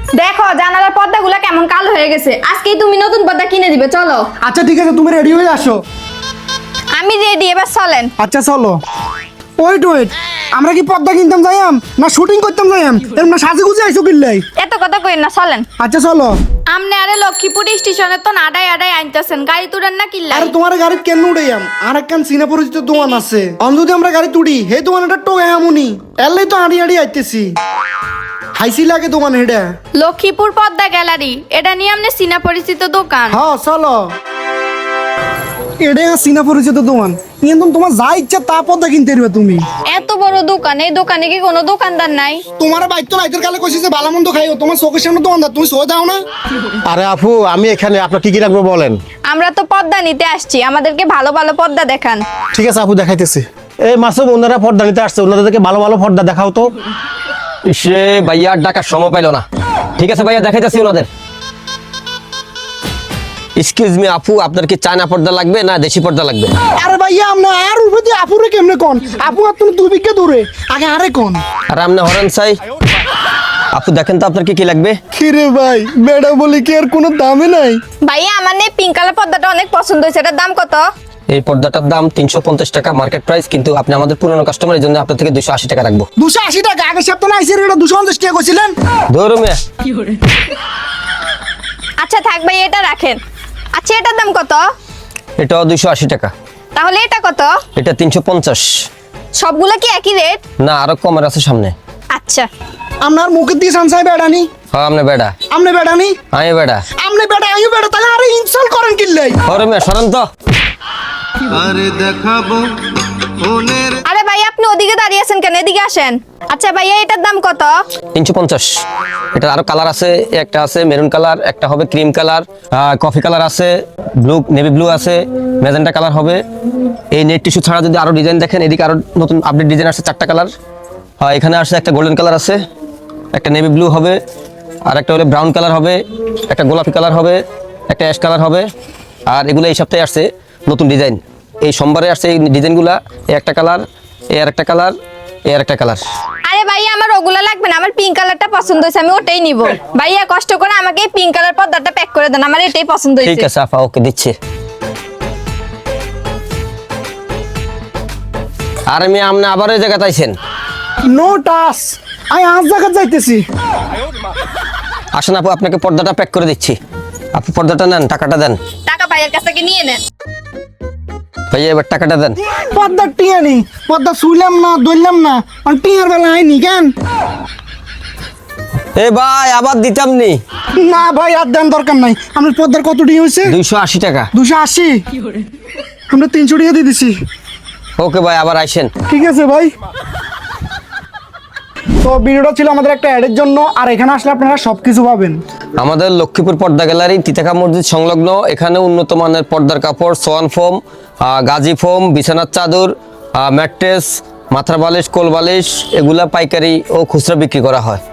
দেখো জানালার পর্দাগুলো কেমন কালো হয়ে গেছে, আজকেই তুমি নতুন পর্দা কিনে দিবে, চলো। আচ্ছা ঠিক আছে, তুমি রেডি হয়ে আসো। আমি রেডি, এবার চলেন। আচ্ছা চলো। ওয়েট ওয়েট, আমরা কি পর্দা কিনতাম যাইয়াম না শুটিং করতাম যাইয়াম? এরকম না সাজে গুজে আইছো কিল্লাই? এত কথা কইেন না, চলেন। আচ্ছা চলো। আমনে আরে লক্ষ্মীপুর স্টেশনে তো আডাই আডাই আনতেছেন, গাড়ি তুলেন না কিল্লাই? আরে তোমার গাড়ি কেন উড়াইয়াম? আর একখান সিনা পরিচিত দোকান আছে, অন যদি আমরা গাড়ি তুড়ি হে দোকানটা টোয়ে আমুনি এলাই তো আড়ি আড়ি আইতেছি। হাইসি লাগে দোকান হেডা। লক্ষ্মীপুর পদ্মা গ্যালারি, এটা নিয়ে আমনে সিনা পরিচিত দোকান। হ্যাঁ চলো। এটা সিনা পরিচিত দোকান, কিন্তু তোমার যা ইচ্ছা তা পর্দা কিনতে পারবে তুমি। এত বড় দোকান, এই দোকানে কি কোনো দোকানদার নাই? তোমার বাইক তো রাইতের কালে কইছে যে ভালো মন্দ খাইও, তোমার চোখের সামনে দোকানদার, তুমি সই দাও না? আরে আপু, আমি এখানে আপনার কি কি লাগবে বলেন। আমরা তো পর্দা নিতে আসছি, আমাদেরকে ভালো ভালো পর্দা দেখান। ঠিক আছে আপু, দেখাইতেছি। এই মাসুম, ওনারা পর্দা নিতে আসছে, ওনাদেরকে ভালো ভালো পর্দা দেখাও তো। সে ভাইয়া ডাকার সময় পাইলো না। ঠিক আছে ভাইয়া, দেখাইতেছি ওনাদের। এক্সকিউজ মি আপু, আপনার কি চায়না পর্দা লাগবে না দেশি পর্দা লাগবে? আরে ভাইয়া আমরা আর উপরে আপুরে কেমনে কোন? আপু আর তুমি 2 বিঘা দূরে, আগে আরে কোন? আর আপনি হরেন চাই। আপু দেখেন তো আপনার কি কি লাগবে। কিরে ভাই, বেড়া বলি কি আর কোনো দামে নাই? ভাইয়া আমার নেই পিঙ্ক কালার পর্দাটা অনেক পছন্দ হয়েছে, এটার দাম কত? এই পর্দাটার দাম 350 টাকা মার্কেট প্রাইস, কিন্তু আপনি আমাদের পুরনো কাস্টমার, এই জন্য আপনার থেকে 280 টাকা রাখবো। 280 টাকা? আগের সপ্তাহে আইসি এটা 250 টাকা কইছিলেন। ধরো মিয়া। আচ্ছা থাক ভাই, এটা রাখেন। আচ্ছা এটার দাম কত? এটাও 280 টাকা। তাহলে এটা কত? এটা 350। সবগুলো কি একই রেট? না, আরো কমের আছে সামনে। আচ্ছা। আপনার মুখে দিয়ে সানসাই বেড়ানি। হ্যাঁ আপনি বেডা। আমনে বেড়ানি? আমি বেডা। আমনে বেড়া আইও বেড়া, তাহলে আরে ইনসাল্ট করেন কিল্লাই? ধরো মিয়া, সরেন তো। আরে ভাই আপনি ওদিকে দাঁড়িয়ে আছেন কেন, এদিকে আসেন। আচ্ছা ভাইয়া এটার দাম কত? 350। এটা আরো কালার আছে, একটা আছে মেরুন কালার, একটা হবে ক্রিম কালার, কফি কালার আছে, ব্লু নেভি ব্লু আছে, ম্যাজেন্টা কালার হবে। এই নেট টিস্যু ছাড়া যদি আরো ডিজাইন দেখেন, এদিকে আরো নতুন আপডেট ডিজাইন আছে, 4টা কালার। এখানে আসছে একটা গোল্ডেন কালার আছে, একটা নেভি ব্লু হবে, আর একটা হলে ব্রাউন কালার হবে, একটা গোলাপি কালার হবে, একটা অ্যাশ কালার হবে। আর এগুলো এই সপ্তাহে আসছে নতুন ডিজাইন, এই সোমবারে আসছে এই ডিজাইনগুলা। এই একটা কালার, এই আর একটা কালার, এই আর একটা কালার। আরে ভাইয়া আমার ওগুলা লাগবে না, আমার পিঙ্ক কালারটা পছন্দ হয়েছে, আমি ওটাই নিব। ভাইয়া কষ্ট করে আমাকে এই পিঙ্ক কালার পর্দাটা প্যাক করে দেন, আমার এটাই পছন্দ ঠিক হয়েছে। আছে আপা, ওকে দিচ্ছি। আর আমি আপনি আবার ওই জায়গাতে আইছেন? নো টাস, আই আজ জায়গা যাইতেছি। আসেন আপু, আপনাকে পর্দাটা প্যাক করে দিচ্ছি। আপু পর্দাটা নেন, টাকাটা দেন। টাকা ভাইয়ের কাছ থেকে নিয়ে নেন। ভাইয়া এবার টাকাটা দেন। পদ্মা টিয়া নেই, পদ্মা শুইলাম না দইলাম না, আর টিয়ার বেলা আইনি কেন? এ ভাই, আবার দিতাম নি। না ভাই আর দেন দরকার নাই। আমার পদ্মার কত টিয়া হয়েছে? 280 টাকা। 280? আমরা 300 টাকা দিয়ে দিছি। ওকে ভাই, আবার আইসেন। ঠিক আছে ভাই। তো ভিডিওটা ছিল আমাদের একটা অ্যাডের জন্য, আর এখানে আসলে আপনারা সবকিছু পাবেন। আমাদের লক্ষ্মীপুর পর্দা গ্যালারি তিতাকা মসজিদ সংলগ্ন। এখানে উন্নত মানের পর্দার কাপড়, সোয়ান ফোম, গাজি ফোম, বিছানার চাদর, ম্যাট্রেস, মাথার বালিশ, কোল বালিশ, এগুলা পাইকারি ও খুচরা বিক্রি করা হয়।